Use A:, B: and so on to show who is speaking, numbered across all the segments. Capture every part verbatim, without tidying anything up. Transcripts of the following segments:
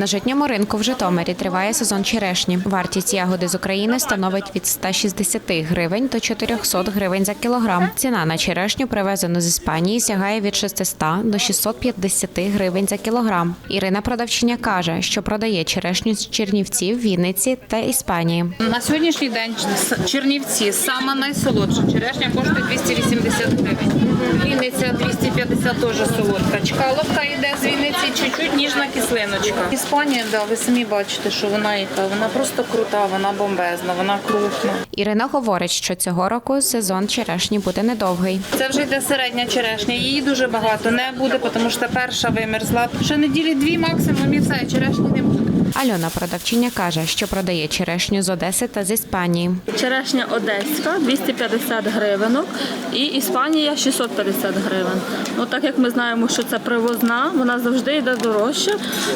A: На житньому ринку в Житомирі триває сезон черешні. Вартість ягоди з України становить від ста шістдесяти гривень до чотирьохсот гривень за кілограм. Ціна на черешню, привезену з Іспанії, сягає від шестисот до шістсот п'ятдесяти гривень за кілограм. Ірина продавчиня каже, що продає черешню з Чернівців, Вінниці та Іспанії.
B: На сьогоднішній день Чернівці сама найсолодша черешня коштує двісті вісімдесят гривень. Вінниця двісті п'ятдесят теж солодка. Чкаловка йде з Вінниці, чуть-чуть ніжна кислиночка. Іспанія, да, ви самі бачите, що вона яка, вона просто крута, вона бомбезна, вона крупна.
A: Ірина говорить, що цього року сезон черешні буде недовгий.
B: Це вже йде середня черешня, її дуже багато не буде, тому що перша вимерзла. Ще неділі дві максимум і все, черешні не буде.
A: Альона продавчиня каже, що продає черешню з Одеси та з Іспанії.
C: Черешня одеська двісті п'ятдесят гривень і Іспанія шістсот п'ятдесят гривень. Ну, так як ми знаємо, що це привозна, вона завжди йде дорожче,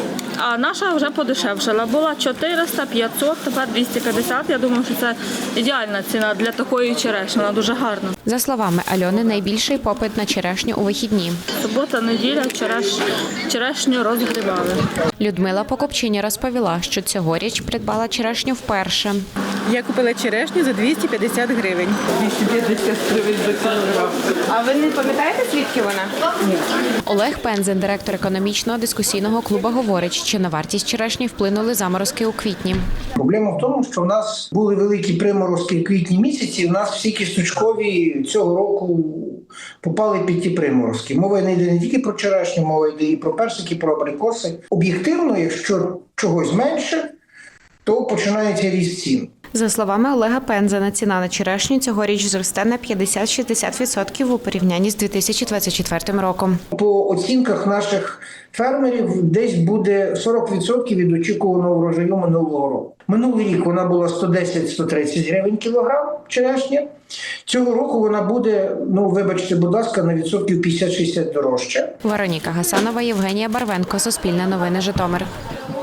C: а наша вже подешевшала. Була чотириста, п'ятсот, тепер двісті п'ятдесят. Я думаю, що це ідеальна ціна для такої черешні, вона дуже гарна.
A: За словами Альони, найбільший попит на черешню у вихідні.
C: Субота, неділя, череш... черешню розгрібали.
A: Людмила покупчиня розповіла, що цьогоріч придбала черешню вперше.
D: Я купила черешню за двісті п'ятдесят гривень. двісті п'ятдесят гривень за кілограм.
B: А ви не пам'ятаєте, звідки вона?
D: Ні.
A: Олег Пензен, директор економічного дискусійного клубу, говорить, що на вартість черешні вплинули заморозки у квітні.
E: Проблема в тому, що в нас були великі приморозки в квітні місяці, в нас всі кісточкові цього року попали під ті приморозки. Мова не йде не тільки про черешню, мова йде і про персики, про абрикоси. Об'єктивно, якщо чогось менше, то починається ріст цін.
A: За словами Олега Пензена, ціна на черешню цьогоріч зросте на п'ятдесят-шістдесят відсотків у порівнянні з дві тисячі двадцять четвертим роком.
E: По оцінках наших фермерів десь буде сорок відсотків від очікуваного врожаю минулого року. Минулий рік вона була сто десять - сто тридцять гривень кілограм черешня. Цього року вона буде, ну вибачте, будь ласка, на відсотків п'ятдесят - шістдесят дорожча.
A: Вероніка Гасанова, Євгенія Барвенко, Суспільне новини, Житомир.